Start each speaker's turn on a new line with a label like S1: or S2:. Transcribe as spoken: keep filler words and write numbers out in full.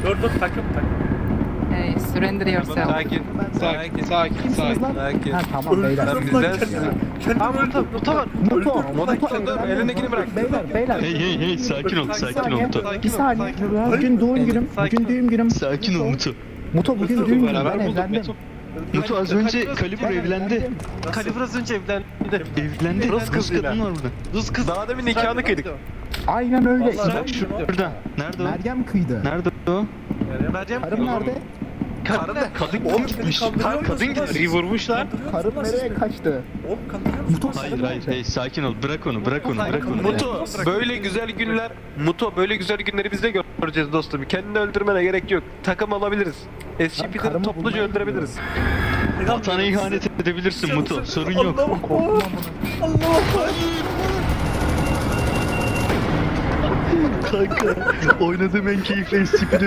S1: Dur dur takım takım.
S2: Hey, surrender yourself.
S3: Sakin, sakin, sakin, sakin, sakin.
S4: Ha tamam beyler.
S3: Sen bizdensin.
S1: Tamam öldü.
S3: Muto var.
S4: Muto,
S3: Moda
S4: Muto,
S3: dur, elindekini bırak.
S4: Beyler, beyler.
S5: Hey hey hey sakin ol sakin ol Muto.
S4: Bir saniye. Bugün doğum günüm. Bugün düğüm günüm.
S5: Sakin ol Muto.
S4: Muto bugün düğüm günüm. Ben
S3: Beraber bulduk,
S4: evlendim.
S3: Muto.
S5: Muto az önce Kalibur evlendi.
S3: Kalibur az önce evlendi.
S5: Evlendi.
S3: Rus
S5: Rus
S3: kızıyla.
S5: kadın var burada.
S3: Rus kız. Daha demin nikahını kıydık.
S4: Aynen öyle.
S5: Bak şurada. Nerede o?
S4: Meryem kıydı.
S5: Nerede o?
S3: Meryem.
S4: Karım nerede?
S3: Karın da kadın gitmiş. Kadın gitmiş. Vurmuşlar.
S4: Karım nereye kaçtı?
S1: Oğlum kandırıyor musun?
S4: Muto
S5: Hayır hayır hey sakin ol bırak onu bırak onu bırak onu.
S3: Muto böyle güzel günler Muto böyle güzel günleri biz de göreceğiz dostum. Kendini öldürmene gerek yok. Takım alabiliriz. S C P'leri
S4: karımı
S3: topluca
S4: bulmayı
S3: öldürebiliriz.
S5: Vatana ihanet edebilirsin Muto sorun yok.
S1: Allah'ım. Allah'ım.
S5: Kanka oynadığım en keyifli S C P'de